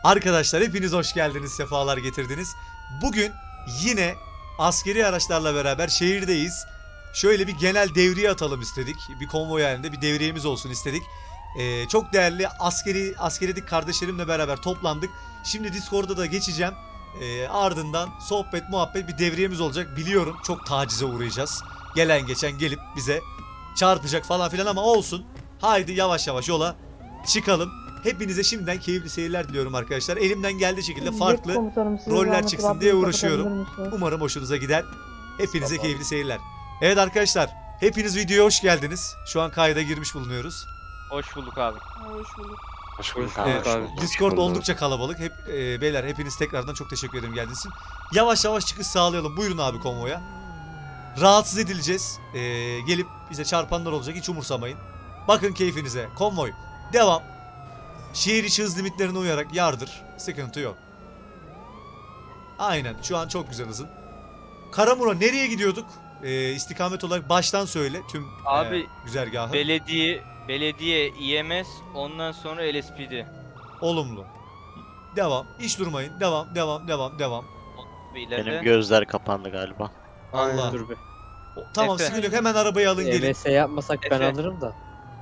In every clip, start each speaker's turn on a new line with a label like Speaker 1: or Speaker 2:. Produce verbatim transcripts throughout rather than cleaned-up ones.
Speaker 1: Arkadaşlar hepiniz hoş geldiniz, sefalar getirdiniz. Bugün yine askeri araçlarla beraber şehirdeyiz. Şöyle bir genel devriye atalım istedik. Bir konvoy halinde bir devriyemiz olsun istedik. Ee, çok değerli askeri askeridik kardeşlerimle beraber toplandık. Şimdi Discord'da da geçeceğim. Ee, ardından sohbet muhabbet bir devriyemiz olacak. Biliyorum çok tacize uğrayacağız. Gelen geçen gelip bize çarpacak falan filan ama olsun. Haydi yavaş yavaş yola çıkalım. Hepinize şimdiden keyifli seyirler diliyorum arkadaşlar. Elimden geldiği şekilde farklı roller çıksın diye uğraşıyorum. Umarım hoşunuza gider. Hepinize keyifli seyirler. Evet arkadaşlar, hepiniz videoya hoş geldiniz. Şu an kayda girmiş bulunuyoruz.
Speaker 2: Hoş bulduk abi.
Speaker 3: Hoş bulduk.
Speaker 4: Hoş bulduk
Speaker 1: Evet,
Speaker 4: abi.
Speaker 1: Discord oldukça kalabalık. Hep e, beyler hepiniz tekrardan çok teşekkür ederim geldiğiniz için. Yavaş yavaş çıkış sağlayalım. Buyurun abi konvoya. Rahatsız edileceğiz. E, gelip bize çarpanlar olacak. Hiç umursamayın. Bakın keyfinize. Konvoy. Devam. Şehir içi hız limitlerine uyarak yardır. Sıkıntı yok. Aynen. Şu an çok güzel hızın. Karamura nereye gidiyorduk? E, istikamet olarak baştan söyle. Tüm
Speaker 2: Abi,
Speaker 1: e, güzergahı.
Speaker 2: Belediye, belediye, İ M S, ondan sonra L S P D.
Speaker 1: Olumlu. Devam. Hiç durmayın. Devam, devam, devam, devam.
Speaker 2: Ve ileride.
Speaker 4: Benim gözler kapandı galiba.
Speaker 1: Allah.
Speaker 3: Dur be.
Speaker 1: O- Tamam,
Speaker 2: Efe.
Speaker 1: sıkıntı yok. Hemen arabayı alın gelin.
Speaker 3: E M S yapmasak ben
Speaker 2: Efe.
Speaker 3: alırım da.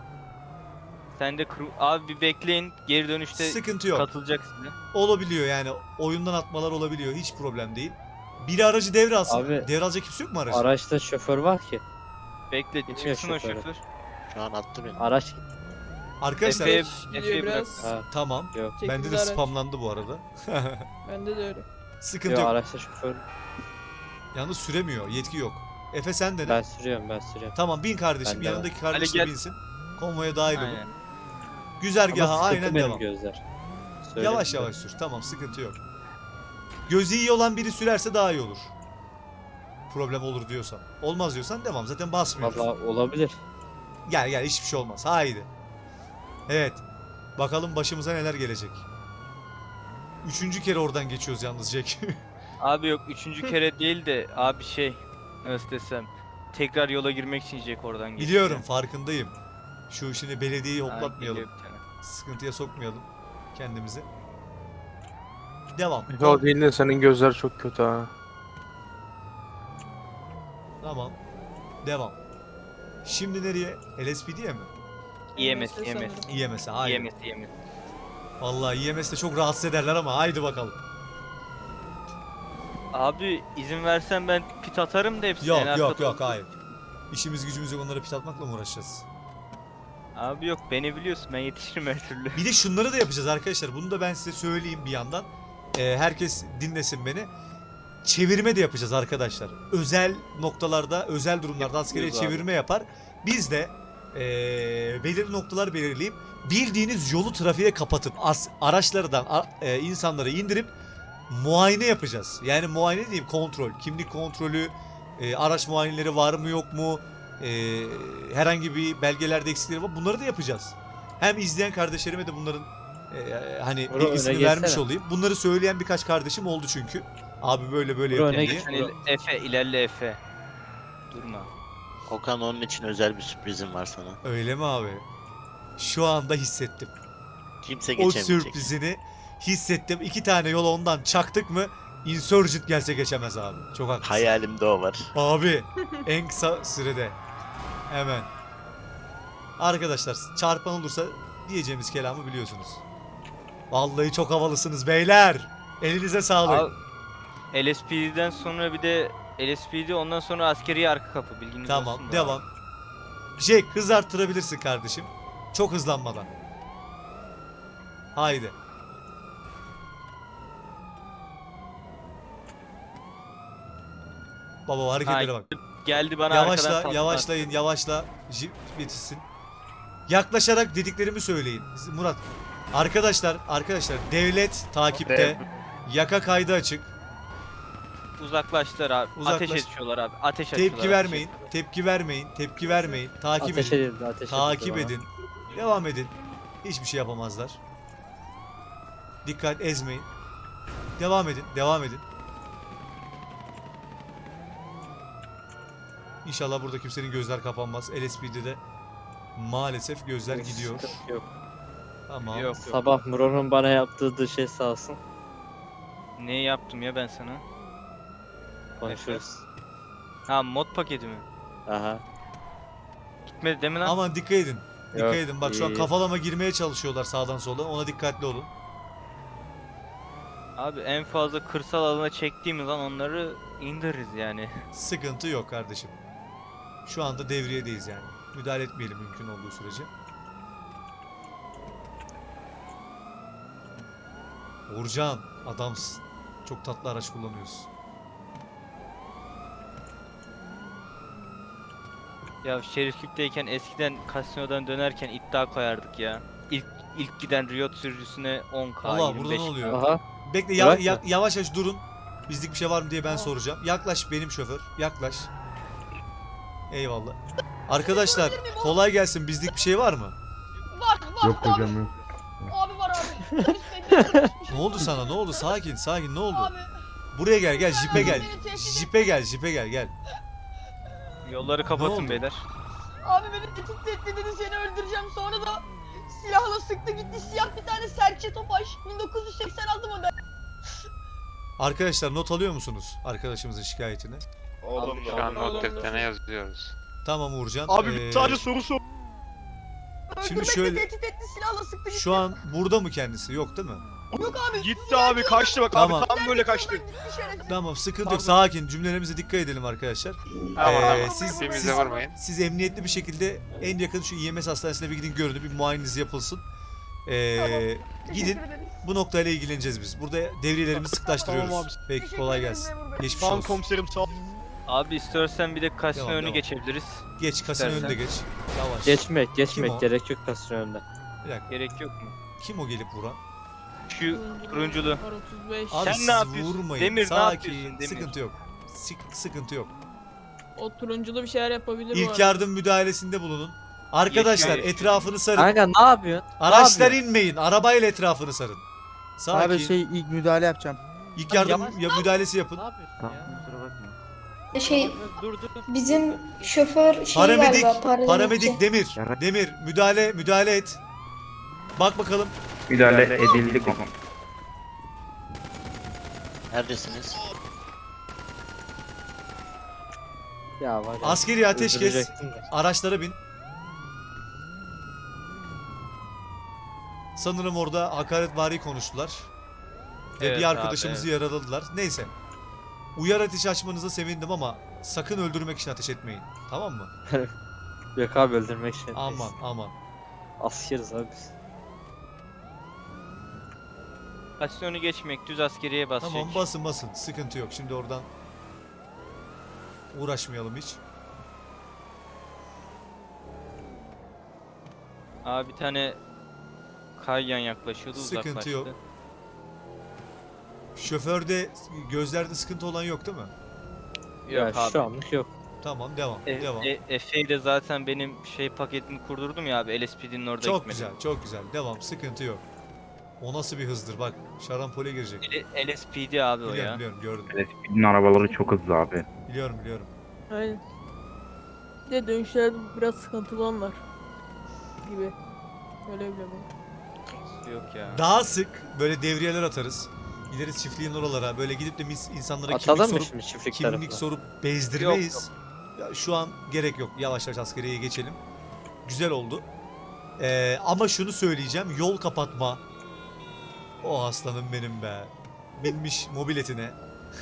Speaker 2: Sen de kru- abi bir bekleyin. Geri dönüşte
Speaker 1: Sıkıntı yok.
Speaker 2: katılacak size.
Speaker 1: Olabiliyor yani. Oyundan atmalar olabiliyor. Hiç problem değil. Biri aracı devre alsın.
Speaker 3: Abi,
Speaker 1: Devralacak kimse yok mu aracı?
Speaker 3: Araçta şoför var ki.
Speaker 2: Bekle
Speaker 3: Bilmiyor
Speaker 2: çıksın o
Speaker 3: şoförü.
Speaker 2: şoför.
Speaker 4: Şu an attı beni.
Speaker 3: Araç gitti.
Speaker 1: Arkadaşlar
Speaker 2: Efe'ye
Speaker 5: Gidiyor
Speaker 2: Efe'ye bırak.
Speaker 5: biraz.
Speaker 3: Ha,
Speaker 1: tamam.
Speaker 3: yok.
Speaker 1: Bende
Speaker 5: Çekildi
Speaker 1: de
Speaker 5: araç.
Speaker 1: spamlandı bu arada.
Speaker 5: Bende de öyle.
Speaker 1: Sıkıntı
Speaker 3: Yok,
Speaker 1: yok.
Speaker 3: araçta şoför.
Speaker 1: Yalnız süremiyor. Yetki yok. Efe sen de ne?
Speaker 3: Ben sürüyorum ben sürüyorum.
Speaker 1: Tamam, bin kardeşim.
Speaker 3: Ben de
Speaker 1: Yanındaki kardeş
Speaker 2: Hadi
Speaker 1: de
Speaker 2: gel.
Speaker 1: binsin. Konvoya dahil olun.
Speaker 2: Aynen.
Speaker 1: Güzergaha
Speaker 3: Ama sıkıntı
Speaker 1: aynen
Speaker 3: benim
Speaker 1: devam.
Speaker 3: gözler. Söyleyeyim
Speaker 1: Yavaş
Speaker 3: de.
Speaker 1: yavaş sür. Tamam, sıkıntı yok. Gözü iyi olan biri sürerse daha iyi olur. Problem olur diyorsan. Olmaz diyorsan devam. Zaten basmıyoruz.
Speaker 3: Valla olabilir.
Speaker 1: Gel gel, hiçbir şey olmaz. Haydi. Evet. Bakalım başımıza neler gelecek. Üçüncü kere oradan geçiyoruz yalnız Jack.
Speaker 2: Abi yok üçüncü kere değil de abi şey nasıl desem tekrar yola girmek için Jack oradan geçti.
Speaker 1: Biliyorum, farkındayım. Şu şimdi belediyeyi
Speaker 2: Ha,
Speaker 1: hoplatmayalım.
Speaker 2: geliyor bir tane.
Speaker 1: Sıkıntıya sokmayalım kendimizi. Devam.
Speaker 6: O değil de senin gözler çok kötü ha.
Speaker 1: Tamam. Devam. Şimdi nereye? L S P D'ye mi?
Speaker 2: İ M S, İ M S.
Speaker 5: sanırım.
Speaker 1: İ M S'e.
Speaker 2: İ
Speaker 1: Haydi.
Speaker 2: M S, İ M S.
Speaker 1: Vallahi İ M S'te çok rahatsız ederler ama haydi bakalım.
Speaker 2: Abi izin versen ben pit atarım da hepsini.
Speaker 1: Yok
Speaker 2: en
Speaker 1: yok
Speaker 2: arkada
Speaker 1: yok
Speaker 2: otur.
Speaker 1: hayır. İşimiz gücümüz yok, onlara pit atmakla mı uğraşacağız?
Speaker 2: Abi yok beni biliyorsun ben yetişirim her türlü.
Speaker 1: Bir de şunları da yapacağız arkadaşlar. Bunu da ben size söyleyeyim bir yandan. Ee, herkes dinlesin beni. Çevirme de yapacağız arkadaşlar. Özel noktalarda, özel durumlarda askeriye
Speaker 2: Yapıyoruz abi.
Speaker 1: çevirme yapar. Biz de ee, belirli noktalar belirleyip bildiğiniz yolu trafiğe kapatıp as, araçlardan a- e, insanları indirip muayene yapacağız. Yani muayene diyeyim, kontrol. Kimlik kontrolü, e, araç muayeneleri var mı yok mu? E, herhangi bir belgelerde eksikleri var. Bunları da yapacağız. Hem izleyen kardeşlerime de bunların e, hani
Speaker 3: Bro,
Speaker 1: bilgisini
Speaker 3: öne
Speaker 1: vermiş
Speaker 3: geçsene.
Speaker 1: olayım. Bunları söyleyen birkaç kardeşim oldu çünkü. Abi böyle böyle
Speaker 3: Bro,
Speaker 1: yapın
Speaker 3: öne
Speaker 1: diye.
Speaker 3: geç.
Speaker 2: Sen il- Efe ilerle Efe. Durma.
Speaker 4: Okan, onun için özel bir sürprizim var sana.
Speaker 1: Öyle mi abi? Şu anda hissettim.
Speaker 4: Kimse
Speaker 1: O
Speaker 4: geçemeyecek.
Speaker 1: sürprizini hissettim. İki tane yol ondan çaktık mı Insurgent gelse geçemez abi. Çok haklısın.
Speaker 4: Hayalimde o var.
Speaker 1: Abi en kısa sürede. Hemen. Arkadaşlar çarpan olursa diyeceğimiz kelamı biliyorsunuz. Vallahi çok havalısınız beyler. Elinize sağlık.
Speaker 2: Abi, L S P D'den sonra bir de L S P D ondan sonra askeri arka kapı bilginiz
Speaker 1: Tamam,
Speaker 2: olsun da.
Speaker 1: devam. Jack, hız arttırabilirsin kardeşim. Çok hızlanmadan. Haydi. Baba o hareketlere bak.
Speaker 2: Geldi bana arkadan
Speaker 1: Yavaşla,
Speaker 2: tatlı
Speaker 1: yavaşlayın, yavaşla. Jip yetişsin. Yaklaşarak dediklerimi söyleyin. Murat. Arkadaşlar, arkadaşlar devlet takipte. Yaka kaydı açık.
Speaker 2: attı. Uzaklaştılar abi.
Speaker 1: Uzaklaş.
Speaker 2: Ateş ediyorlar abi. Ateş açıyorlar.
Speaker 1: Tepki
Speaker 2: ateş
Speaker 1: vermeyin.
Speaker 2: ediyorlar.
Speaker 1: Tepki vermeyin. Tepki vermeyin. Takip
Speaker 3: Ateş
Speaker 1: edin.
Speaker 3: edildi ateş
Speaker 1: Takip
Speaker 3: edildi bana.
Speaker 1: edin. Devam edin. Hiçbir şey yapamazlar. Dikkat, ezmeyin. Devam edin. Devam edin. İnşallah burada kimsenin gözler kapanmaz. L S P'de de maalesef gözler
Speaker 3: Yok,
Speaker 1: gidiyor.
Speaker 3: sıkıntı Yok.
Speaker 1: Tamam.
Speaker 2: Yok yok.
Speaker 3: Sabah Muron'un bana yaptığı da şey sağ olsun.
Speaker 2: Ne yaptım ya ben sana?
Speaker 3: Konuşuruz.
Speaker 2: Ha mod paketi mi?
Speaker 3: Aha.
Speaker 2: Gitmedi değil mi lan?
Speaker 1: Aman dikkat edin. Dikkat
Speaker 3: Yok,
Speaker 1: edin. Bak şu an
Speaker 3: iyi.
Speaker 1: kafalama girmeye çalışıyorlar sağdan sola. Ona dikkatli olun.
Speaker 2: Abi en fazla kırsal alana çektiğimiz an onları indiririz yani.
Speaker 1: Sıkıntı yok kardeşim. Şu anda devriyedeyiz yani. Müdahale etmeyelim mümkün olduğu sürece. Uğurcan adamsın. Çok tatlı araç kullanıyorsun.
Speaker 2: Ya şeriflikteyken eskiden kasinodan dönerken iddia koyardık ya. İlk ilk giden Riot sürücüsüne on K,
Speaker 1: Allah,
Speaker 2: yirmi
Speaker 1: burada
Speaker 2: beş
Speaker 1: ne
Speaker 2: K.
Speaker 1: oluyor?
Speaker 3: Aha.
Speaker 1: Bekle ya-
Speaker 3: Bırakma.
Speaker 1: ya- yavaş yavaş durun. Bizlik bir şey var mı diye ben soracağım. Yaklaş benim şoför. Yaklaş. Eyvallah. Arkadaşlar kolay gelsin. Bizlik bir şey var mı?
Speaker 5: Var var
Speaker 7: Yok
Speaker 5: abi.
Speaker 7: hocam yok.
Speaker 5: Abi var abi. Polis bekliyor.
Speaker 1: Ne oldu sana? Ne oldu? Sakin, sakin. Ne oldu?
Speaker 5: Abi.
Speaker 1: Buraya gel, gel. Jipe gel.
Speaker 5: Beni tehdit
Speaker 1: Jipe gel, jipe gel, gel.
Speaker 2: Yolları
Speaker 1: Ne
Speaker 2: kapatın
Speaker 1: oldu?
Speaker 2: beyler.
Speaker 5: Abi beni tehdit etti dedi seni öldüreceğim. Sonra da silahla sıktı gitti. Siyah bir tane serçe topaş. bin dokuz yüz seksen altı model.
Speaker 1: Arkadaşlar not alıyor musunuz arkadaşımızın şikayetini?
Speaker 8: Olumlu.
Speaker 9: Şu an not defterine yazıyoruz.
Speaker 1: Tamam Uğurcan.
Speaker 8: Abi
Speaker 1: Ee,
Speaker 8: sadece soru sor.
Speaker 1: Şimdi
Speaker 5: Öldürmekle
Speaker 1: şöyle-
Speaker 5: tehdit etti silahla sıktı gitti.
Speaker 1: şu an burada mı kendisi? Yok değil mi?
Speaker 5: Yok abi.
Speaker 8: Gitti abi kaçtı bak
Speaker 1: Tamam.
Speaker 8: abi tam böyle kaçtı.
Speaker 5: Gitti şerefsiz.
Speaker 1: Tamam, sıkıntı yok. Sakin. Cümlelerimize dikkat edelim arkadaşlar.
Speaker 9: Tamam
Speaker 1: Ee,
Speaker 9: tamam.
Speaker 1: siz-
Speaker 9: Birbirinize
Speaker 1: siz-
Speaker 9: vurmayın.
Speaker 1: Siz emniyetli bir şekilde en yakın şu İ M S hastanesine bir gidin, görün, bir muayeneniz yapılsın. Ee, gidin.
Speaker 5: Teşekkür ederiz.
Speaker 1: Bu noktayla ilgileneceğiz biz. Burada devriyelerimizi sıklaştırıyoruz.
Speaker 8: Tamam abi.
Speaker 1: Peki,
Speaker 5: Teşekkür
Speaker 1: kolay
Speaker 5: ederim
Speaker 1: gelsin.
Speaker 5: memur bey.
Speaker 1: Geçmiş
Speaker 8: Tamam
Speaker 1: olsun.
Speaker 8: komiserim sağ ol.
Speaker 2: Abi istersen bir de kasino
Speaker 1: Devam,
Speaker 2: önü
Speaker 1: devam.
Speaker 2: geçebiliriz.
Speaker 1: Geç, kasino
Speaker 2: İstersen.
Speaker 1: önünde geç. Yavaş.
Speaker 3: Geçmek,
Speaker 1: Kim
Speaker 3: geçmek
Speaker 1: o?
Speaker 3: gerek yok kasın önünde.
Speaker 1: Bir dakika.
Speaker 2: Gerek yok mu?
Speaker 1: Kim o gelip vuran?
Speaker 2: Şu turunculu.
Speaker 5: Var otuz beş.
Speaker 1: Abi
Speaker 2: Sen
Speaker 1: siz
Speaker 2: ne yapıyorsun?
Speaker 1: vurmayın.
Speaker 2: Demir, ne
Speaker 1: Sakin.
Speaker 2: yapıyorsun Demir?
Speaker 1: Sıkıntı yok. Sık- sıkıntı yok.
Speaker 5: O turunculu bir şeyler yapabilir bu
Speaker 1: İlk
Speaker 5: arada.
Speaker 1: yardım müdahalesinde bulunun. Arkadaşlar
Speaker 2: Yaşıyor, yaşıyor.
Speaker 1: etrafını sarın.
Speaker 3: Kanka ne yapıyorsun? Ne
Speaker 1: Araçlar
Speaker 3: yapıyorsun?
Speaker 1: inmeyin. Arabayla etrafını sarın. Sakin.
Speaker 10: Abi şey ilk müdahale yapacağım.
Speaker 1: İlk yardım
Speaker 3: Yavaş-
Speaker 1: ya müdahalesi yapın.
Speaker 3: Ne yapıyorsun ya?
Speaker 11: Şey
Speaker 3: Dur dur.
Speaker 11: bizim şoför şey
Speaker 1: Paramedik,
Speaker 11: galiba paramedik.
Speaker 1: paramedik Demir. Demir müdahale müdahale et. Bak bakalım.
Speaker 7: Müdahale edildi.
Speaker 4: Neredesiniz?
Speaker 3: Ya var ya.
Speaker 1: Askeri ateşkes.
Speaker 3: öldürecektim de.
Speaker 1: Araçlara bin. Sanırım orada hakaretvari konuştular. Ve
Speaker 2: Evet
Speaker 1: bir
Speaker 2: abi,
Speaker 1: arkadaşımızı yaraladılar. Neyse. Uyar ateş açmanıza sevindim ama sakın öldürmek için ateş etmeyin. Tamam mı?
Speaker 3: Yok abi öldürmek için.
Speaker 1: Aman aman.
Speaker 3: Askeriz abi biz.
Speaker 2: Kasino önü geçmek, düz askeriye basacak.
Speaker 1: Tamam, basın basın. Sıkıntı yok. Şimdi oradan uğraşmayalım hiç.
Speaker 2: Abi bir tane kayyan yaklaşıyordu,
Speaker 1: Sıkıntı
Speaker 2: uzaklaştı.
Speaker 1: yok. Şoförde gözlerde sıkıntı olan yok değil mi?
Speaker 2: Yok
Speaker 3: ya
Speaker 2: abi.
Speaker 3: şu anlık yok.
Speaker 1: Tamam, devam.
Speaker 2: E,
Speaker 1: devam.
Speaker 2: e, Efe'yi de zaten benim şey paketini kurdurdum ya abi, L S P D'nin orada
Speaker 1: Çok
Speaker 2: gitmedim.
Speaker 1: güzel, çok güzel. Devam, sıkıntı yok. O nasıl bir hızdır bak. Şarampole girecek.
Speaker 2: L- L S P D abi o
Speaker 1: Biliyorum,
Speaker 2: ya.
Speaker 1: biliyorum, gördüm.
Speaker 7: Bizim arabaları çok hızlı abi.
Speaker 1: Biliyorum, biliyorum.
Speaker 5: Aynen. Bir de dönüşlerde biraz sıkıntılı onlar. Gibi. Öyle bile bu.
Speaker 2: Yok ya.
Speaker 1: Daha sık böyle devriyeler atarız. Gideriz çiftliğin oralara. Böyle gidip de mis- insanlara kimlik
Speaker 3: Atalım mı
Speaker 1: sorup
Speaker 3: şimdi çiftlik
Speaker 1: kimlik
Speaker 3: tarafına?
Speaker 1: sorup bezdirmeyiz. Ya şu an gerek yok. Yavaş yavaş askeriye geçelim. Güzel oldu. Ee, ama şunu söyleyeceğim. Yol kapatma. O aslanım benim be. Binmiş mobiletine.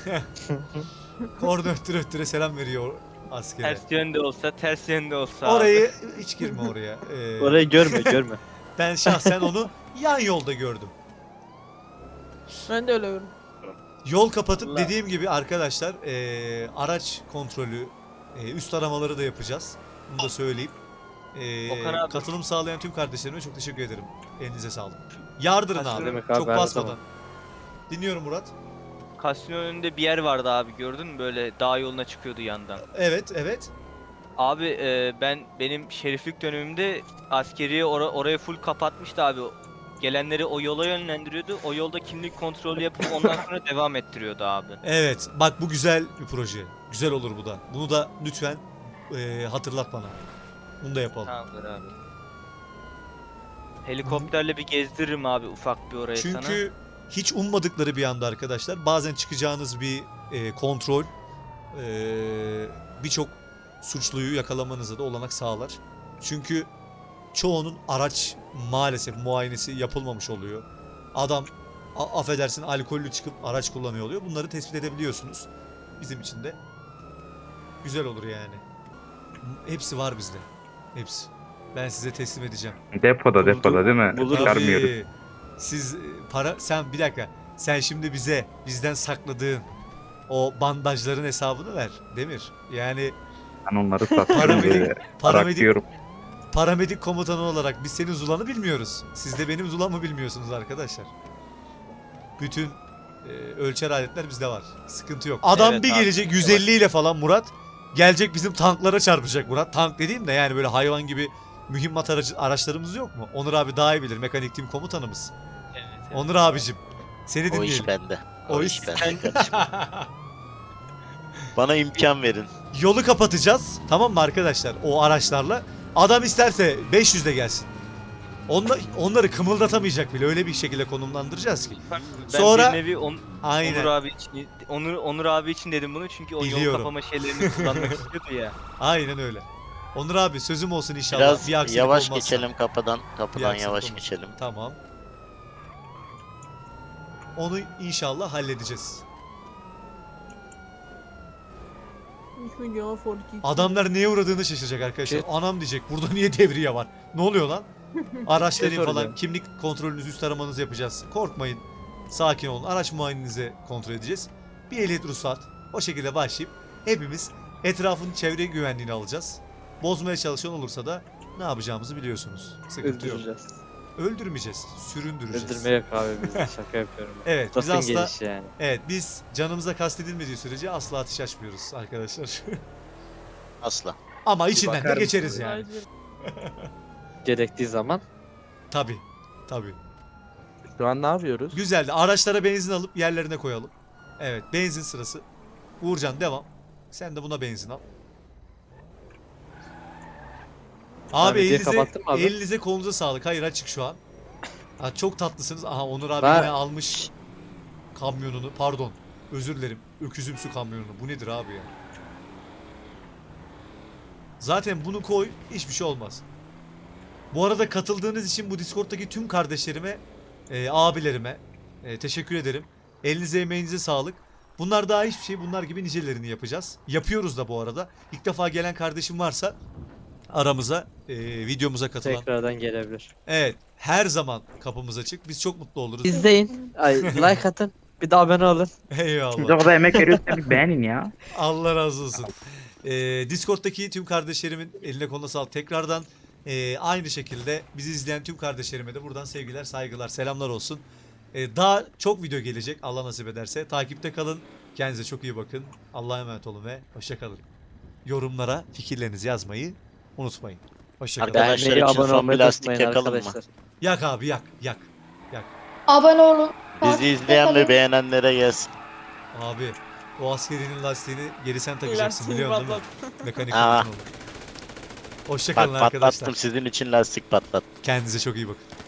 Speaker 1: Orada öttüre öttüre selam veriyor askere.
Speaker 2: Ters yönde olsa, ters yönde olsa abi.
Speaker 1: Orayı hiç girme oraya. Ee,
Speaker 3: Orayı görme görme.
Speaker 1: Ben şahsen onu yan yolda gördüm.
Speaker 5: Ben de öyle görüyorum.
Speaker 1: Yol kapatıp
Speaker 2: Allah.
Speaker 1: dediğim gibi arkadaşlar eee, araç kontrolü, eee, üst aramaları da yapacağız. Bunu da söyleyeyim. Eee,
Speaker 2: Okan abi.
Speaker 1: katılım sağlayan tüm kardeşlerime çok teşekkür ederim. Elinize sağlık. Yardırın
Speaker 2: Kaç
Speaker 1: abi.
Speaker 3: demek abi,
Speaker 1: Çok
Speaker 3: her
Speaker 1: basmadan.
Speaker 3: zaman.
Speaker 1: Dinliyorum Murat.
Speaker 2: Kasino önünde bir yer vardı abi, gördün mü, böyle dağ yoluna çıkıyordu yandan.
Speaker 1: Evet, evet.
Speaker 2: Abi e, ben benim şeriflik dönemimde askeriye ora- oraya full kapatmıştı abi. Gelenleri o yola yönlendiriyordu. O yolda kimlik kontrolü yapıp ondan sonra devam ettiriyordu abi.
Speaker 1: Evet. Bak bu güzel bir proje. Güzel olur bu da. Bunu da lütfen eee, hatırlat bana. Bunu da yapalım.
Speaker 2: Tamamdır abi. Helikopterle bir gezdiririm abi ufak bir orayı sana.
Speaker 1: Çünkü hiç ummadıkları bir anda arkadaşlar bazen çıkacağınız bir e, kontrol e, birçok suçluyu yakalamanıza da olanak sağlar. Çünkü çoğunun araç maalesef muayenesi yapılmamış oluyor. Adam a- affedersin alkollü çıkıp araç kullanıyor oluyor. Bunları tespit edebiliyorsunuz. Bizim için de güzel olur yani. Hepsi var bizde. Hepsi. Ben size teslim edeceğim.
Speaker 7: Depoda depoda değil mi?
Speaker 3: Buluruz.
Speaker 7: Çıkarmıyoruz.
Speaker 1: Tabii. Siz e, para sen bir dakika. Sen şimdi bize bizden sakladığın o bandajların hesabını ver Demir. Yani
Speaker 7: Ben onları satıyorum
Speaker 1: Paramedik-
Speaker 7: diye
Speaker 1: paramedik
Speaker 7: bırakıyorum.
Speaker 1: paramedik komutanı olarak biz senin Zula'nı bilmiyoruz. Siz de benim Zula'mı bilmiyorsunuz arkadaşlar. Bütün e, ölçer aletler bizde var. Sıkıntı yok. Adam
Speaker 2: Evet
Speaker 1: bir
Speaker 2: abi,
Speaker 1: gelecek
Speaker 2: bizde
Speaker 1: yüz elli ile falan Murat. Gelecek bizim tanklara çarpacak Murat. Tank dediğim de yani böyle hayvan gibi mühimmat aracı, araçlarımız yok mu? Onur abi daha iyi bilir. Mekanik tim komutanımız.
Speaker 2: Evet, evet.
Speaker 1: Onur abicim. Seni
Speaker 4: O
Speaker 1: dinleyelim.
Speaker 4: iş bende.
Speaker 1: O
Speaker 4: O,
Speaker 1: iş-
Speaker 4: iş bende kardeşim. Bana imkan verin.
Speaker 1: Yolu kapatacağız. Tamam mı arkadaşlar? O araçlarla. Adam isterse beş yüzde gelsin. Onla, onları kımıldatamayacak bile. Öyle bir şekilde konumlandıracağız ki.
Speaker 2: Ben
Speaker 1: Sonra-
Speaker 2: bir nevi on,
Speaker 1: Aynen.
Speaker 2: Onur abi için Onur Onur abi için dedim bunu çünkü o yol
Speaker 1: Biliyorum.
Speaker 2: kapama şeylerini kullanmak istiyordu ya.
Speaker 1: Aynen öyle. Onur abi sözüm olsun inşallah.
Speaker 4: Biraz
Speaker 1: bir aksilik
Speaker 4: yavaş
Speaker 1: olmazsa.
Speaker 4: geçelim kapıdan. Kapıdan
Speaker 1: aksilik
Speaker 4: yavaş
Speaker 1: olmaz.
Speaker 4: geçelim.
Speaker 1: Tamam. Onu inşallah halledeceğiz. Adamlar neye uğradığını şaşıracak arkadaşlar.
Speaker 6: Şey-
Speaker 1: Anam diyecek burada niye devriye var? Ne oluyor lan? Araçların
Speaker 6: Şey
Speaker 1: falan
Speaker 6: soracağım.
Speaker 1: kimlik kontrolünüzü üst aramanızı yapacağız. Korkmayın. Sakin olun. Araç muayenenizi kontrol edeceğiz. Bir ehliyet ruhsat. O şekilde başlayıp hepimiz etrafın çevre güvenliğini alacağız. Bozmaya çalışan olursa da ne yapacağımızı biliyorsunuz. Sıkıntı yok.
Speaker 3: Öldüreceğiz.
Speaker 1: Öldürmeyeceğiz. Süründüreceğiz.
Speaker 3: Öldürme yok abi bizde şaka yapıyorum.
Speaker 1: Evet biz
Speaker 3: Lafın
Speaker 1: asla
Speaker 3: gelişi yani.
Speaker 1: evet biz canımıza kastedilmediği sürece asla ateş açmıyoruz arkadaşlar.
Speaker 4: Asla.
Speaker 1: Ama içinden de
Speaker 6: bakar
Speaker 1: geçeriz
Speaker 6: mısın?
Speaker 1: yani.
Speaker 3: Gerektiği zaman
Speaker 1: Tabi. Tabi.
Speaker 6: Şu an ne yapıyoruz?
Speaker 1: Güzeldi. Araçlara benzin alıp yerlerine koyalım. Evet benzin sırası. Uğurcan devam. Sen de buna benzin al. Abi
Speaker 3: videoyu
Speaker 1: elinize,
Speaker 3: kapattın mı abi?
Speaker 1: elinize kolunuza sağlık. Hayır açık şu an. Ha, çok tatlısınız. Aha Onur abi
Speaker 3: Ben-
Speaker 1: yine almış kamyonunu. Pardon. Özür dilerim. Öküzümsü kamyonunu. Bu nedir abi ya? Zaten bunu koy. Hiçbir şey olmaz. Bu arada katıldığınız için bu Discord'daki tüm kardeşlerime, e, abilerime e, teşekkür ederim. Elinize emeğinize sağlık. Bunlar daha hiçbir şey. Bunlar gibi nicelerini yapacağız. Yapıyoruz da bu arada. İlk defa gelen kardeşim varsa aramıza, e, videomuza katılan.
Speaker 3: tekrardan gelebilir.
Speaker 1: Evet. Her zaman kapımız açık. Biz çok mutlu oluruz.
Speaker 3: İzleyin. Ay like atın. Bir de abone olun.
Speaker 7: Siz
Speaker 1: Eyvallah.
Speaker 7: orada emek veriyorsanız bir beğenin ya.
Speaker 1: Allah razı olsun. Ee, Discord'daki tüm kardeşlerimin eline koluna sağlık. Tekrardan e, aynı şekilde bizi izleyen tüm kardeşlerime de buradan sevgiler, saygılar, selamlar olsun. Ee, daha çok video gelecek Allah nasip ederse. Takipte kalın. Kendinize çok iyi bakın. Allah'a emanet olun ve hoşça kalın. Yorumlara fikirlerinizi yazmayı unutmayın. Hoşça kalın.
Speaker 4: Arkadaşlar
Speaker 3: Beğenmeyi,
Speaker 4: için
Speaker 3: abone
Speaker 4: son
Speaker 3: olmayı
Speaker 4: bir lastik
Speaker 3: unutmayın
Speaker 4: yakalım mı?
Speaker 3: arkadaşlar.
Speaker 1: Yak abi yak yak.
Speaker 11: Abone olun.
Speaker 4: Bizi
Speaker 11: takipte
Speaker 4: izleyen
Speaker 11: kalın.
Speaker 4: ve beğenenlere gelsin.
Speaker 1: Abi o askerinin lastiğini geri sen takacaksın biliyor musun değil mi? Mekanik
Speaker 4: Aa.
Speaker 1: olur. Hoşça
Speaker 4: Bak
Speaker 1: kalın arkadaşlar.
Speaker 4: patlattım sizin için lastik patlattım.
Speaker 1: Kendinize çok iyi bakın.